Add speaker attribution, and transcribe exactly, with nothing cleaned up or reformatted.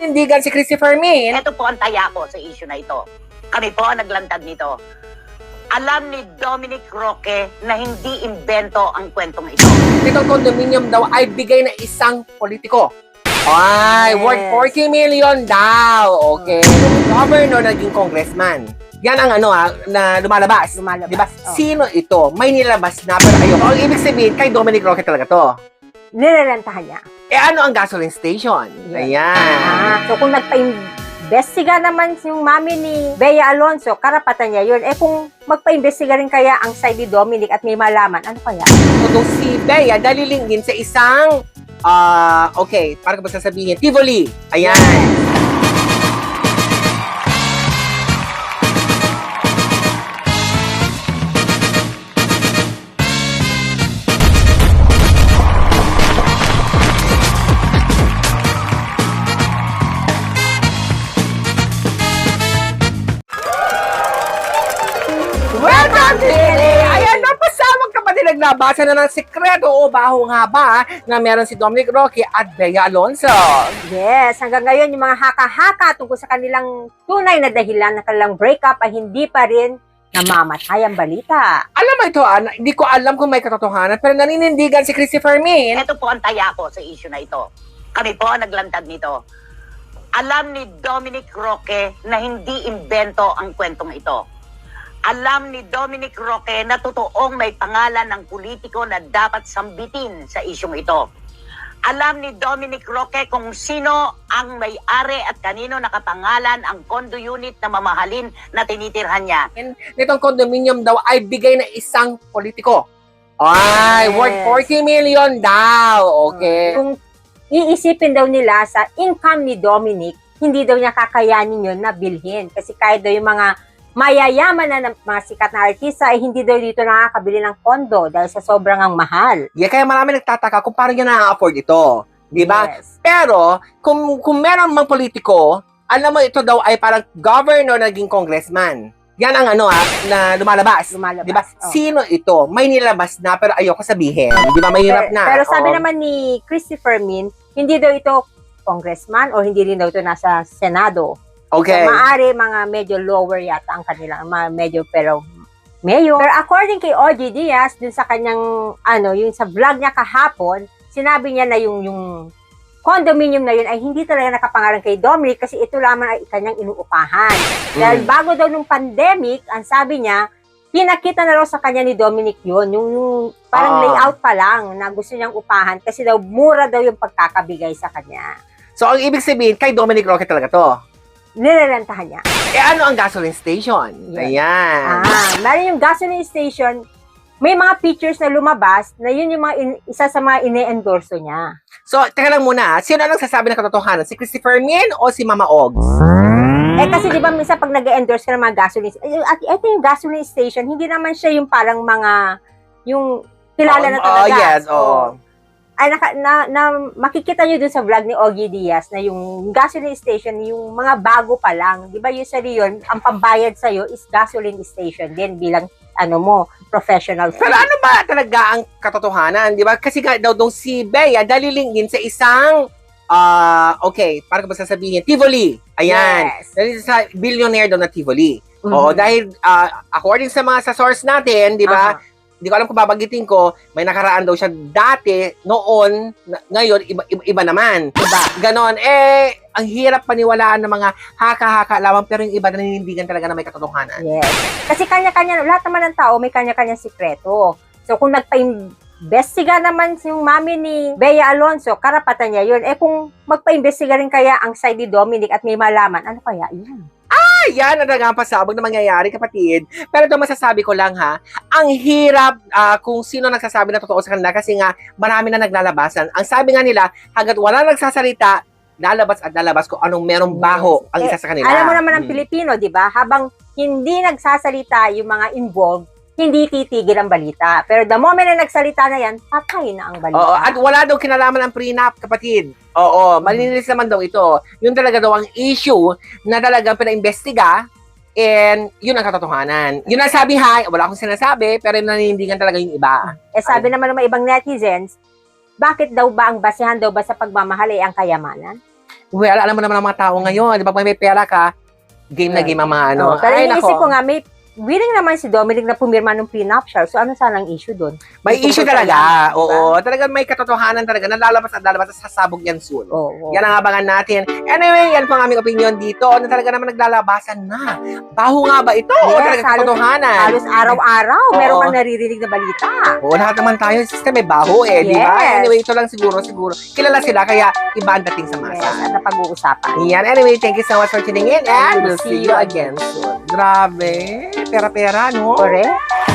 Speaker 1: Nindigan si Christopher Min.
Speaker 2: Ito po ang taya ko sa issue na ito. Kami po ang naglantad nito. Alam ni Dominic Roque na hindi imbento ang kwentong ito.
Speaker 1: Itong condominium daw ay bigay na isang politiko. Ay,
Speaker 3: Yes.
Speaker 1: worth forty million daw. Okay. Governor naging congressman. Yan ang ano ha, na lumalabas.
Speaker 3: Lumalabas,
Speaker 1: Diba?
Speaker 3: oh.
Speaker 1: Sino ito? May nilabas na pero ayoko. Ang ibig sabihin, kay Dominic Roque talaga to.
Speaker 3: Nirerentahan niya.
Speaker 1: Eh ano ang gasoline station?
Speaker 3: Yes.
Speaker 1: Ayan.
Speaker 3: Ah, so kung nagpa-imbestiga naman yung mami ni Bea Alonzo, karapatan niya yun. Eh kung magpa-imbestiga rin kaya ang side ni Dominic at may malaman, ano kaya?
Speaker 1: Kung si Bea dalilingin sa isang, ah, okay, parang ba sasabihin, Tivoli. Ayan. Welcome to Ayan, napasamang kapatid, naglabasa na ng sekreto o baho nga ba na meron si Dominic Roque at Bea Alonzo.
Speaker 3: Yes, hanggang ngayon yung mga haka-haka tungkol sa kanilang tunay na dahilan ng kanilang breakup ay hindi pa rin namamatay ang balita.
Speaker 1: Alam mo ito, ah, hindi ko alam kung may katotohanan, pero naninindigan si Christopher Min.
Speaker 2: Ito po ang taya ko sa issue na ito. Kami po ang naglantad nito. Alam ni Dominic Roque na hindi imbento ang kwentong ito. Alam ni Dominic Roque na totoong may pangalan ng politiko na dapat sambitin sa isyong ito. Alam ni Dominic Roque kung sino ang may-ari at kanino nakapangalan ang condo unit na mamahalin na tinitirhan niya.
Speaker 1: Nitong condominium daw ay bigay na isang politiko. Ay,
Speaker 3: Yes.
Speaker 1: worth forty million daw. Okay.
Speaker 3: Kung iisipin daw nila sa income ni Dominic, hindi daw niya kakayanin yun na bilhin. Kasi kahit daw yung mga mayayaman na ng mga sikat na artista ay hindi daw dito nakakabili ng kondo dahil sa sobrang ang mahal.
Speaker 1: Yeah, kaya marami nagtataka kung paano niya na-afford ito. Di ba?
Speaker 3: Yes.
Speaker 1: Pero, kung, kung meron mang politiko, alam mo ito daw ay parang governor naging congressman. Yan ang ano ah, na lumalabas.
Speaker 3: Lumalabas,
Speaker 1: Di ba?
Speaker 3: oh.
Speaker 1: Sino ito? May nilabas na pero ayoko sabihin. Di ba? Mahirap
Speaker 3: Pero,
Speaker 1: na.
Speaker 3: pero sabi
Speaker 1: Oo.
Speaker 3: naman ni Christopher Min, hindi daw ito congressman o hindi rin daw ito nasa Senado.
Speaker 1: Okay.
Speaker 3: So, maaari mga medyo lower yata ang kanilang, mga medyo pero mayor. Pero according kay O G Diaz, dun sa kanyang, ano, yung sa vlog niya kahapon, sinabi niya na yung, yung condominium na yun ay hindi talaga nakapangalan kay Dominic kasi ito lamang ay kanyang inuupahan. Dahil
Speaker 1: Mm.
Speaker 3: bago daw nung pandemic, ang sabi niya, pinakita na raw sa kanya ni Dominic yun, yung, yung parang
Speaker 1: Ah.
Speaker 3: layout pa lang na gusto niyang upahan kasi daw mura daw yung pagkakabigay sa kanya.
Speaker 1: So, ang ibig sabihin, kay Dominic Roque talaga to.
Speaker 3: Nirerentahan niya.
Speaker 1: Eh, ano ang gasoline station?
Speaker 3: Yan.
Speaker 1: Ayan.
Speaker 3: Ah, meron yung gasoline station, may mga pictures na lumabas na yun yung mga in- isa sa mga ine-endorso niya.
Speaker 1: So, teka lang muna. Sino ang nagsasabi ng katotohanan? Si Christopher Min o si Mama Ogs?
Speaker 3: Eh kasi di ba minsan pag nag-endorse ka ng mga gasoline, eh, at ito yung gasoline station, hindi naman siya yung parang mga, yung kilala na
Speaker 1: Oh,
Speaker 3: talaga.
Speaker 1: oh, yes, oo.
Speaker 3: Ay, naka, na, na, makikita nyo dun sa vlog ni Ogie Diaz na yung gasoline station, yung mga bago pa lang. Di ba usually yun, ang pambayad sa'yo is gasoline station din bilang, ano mo, professional.
Speaker 1: Pero ano ba talaga ang katotohanan? Di ba? Kasi nga daw dong si Bea dalilingin sa isang, ah okay, parang ba sasabihin, Tivoli. Ayan.
Speaker 3: Yes.
Speaker 1: Dahil sa billionaire daw na Tivoli.
Speaker 3: Mhm.
Speaker 1: Oo, dahil ah, according sa mga sa source natin, di ba?
Speaker 3: Aha.
Speaker 1: Hindi ko alam kung babanggitin ko, may nakaraan daw siya dati, noon, na- ngayon, iba, iba, iba naman. Diba? Ganon. Eh, ang hirap paniwalaan ng mga haka-haka lamang, pero yung iba naninindigan talaga na may katotohanan.
Speaker 3: Yes. Kasi kanya-kanya, lahat naman ng tao may kanya-kanyang sikreto. So kung nagpa-imbestiga naman yung mami ni Bea Alonzo, karapatan niya yun. Eh kung magpa-imbestiga rin kaya ang side ni Dominic at may malaman, ano kaya yun?
Speaker 1: Ayan, ang dagang pasabog na mangyayari, kapatid. Pero ito masasabi ko lang ha, ang hirap ah, kung sino nagsasabi na totoo sa kanila kasi nga marami na naglalabasan. Ang sabi nga nila, hanggat wala nagsasalita, lalabas at lalabas kung anong merong baho ang isa sa kanila.
Speaker 3: Alam mo naman ang
Speaker 1: Hmm.
Speaker 3: Pilipino, di ba? Habang hindi nagsasalita yung mga involved, hindi titigil ang balita. Pero the moment na nagsalita na yan, patay na ang balita.
Speaker 1: Oo, at wala daw kinalaman ang prenup, kapatid. Oo, malinis naman daw ito. Yun talaga daw ang issue na talagang pinaimbestiga and yun ang katotohanan. Yun ang sabi, ha, wala akong sinasabi, pero naninindigan talaga yung iba.
Speaker 3: Eh sabi naman ng mga ibang netizens, bakit daw ba ang basehan daw ba sa pagmamahal ay ang kayamanan?
Speaker 1: Well, alam mo naman ang mga tao ngayon, di ba, pag may pera ka, game na game ang mga ano.
Speaker 3: Oh, pero
Speaker 1: Ay,
Speaker 3: iniisip
Speaker 1: nako.
Speaker 3: ko nga, may willing naman si Dominic na pumirma ng prenuptial. So, ano sana ang issue doon?
Speaker 1: May
Speaker 3: May
Speaker 1: issue
Speaker 3: tungkol
Speaker 1: talaga.
Speaker 3: sa-
Speaker 1: Oo, talagang may katotohanan talaga na lalabas at lalabas at sasabog yan soon.
Speaker 3: Oo.
Speaker 1: Yan ang abangan natin. Anyway, yan po ang aming opinion dito na talaga naman naglalabasan na. Baho nga ba ito? o
Speaker 3: Yes,
Speaker 1: talaga
Speaker 3: halos-
Speaker 1: katotohanan?
Speaker 3: Halos araw-araw,
Speaker 1: Oo.
Speaker 3: meron kang naririnig na balita.
Speaker 1: Oo, lahat naman tayo, sister, may baho eh, di ba?
Speaker 3: Yes.
Speaker 1: Anyway, ito lang siguro, siguro. Kilala sila, kaya iba ang dating sa
Speaker 3: Yes,
Speaker 1: masa.
Speaker 3: na pag-uusapan.
Speaker 1: Yan. Anyway, thank you so much for tuning in and we'll see you again soon. Grabe. Pera-pera, no?
Speaker 3: Correct?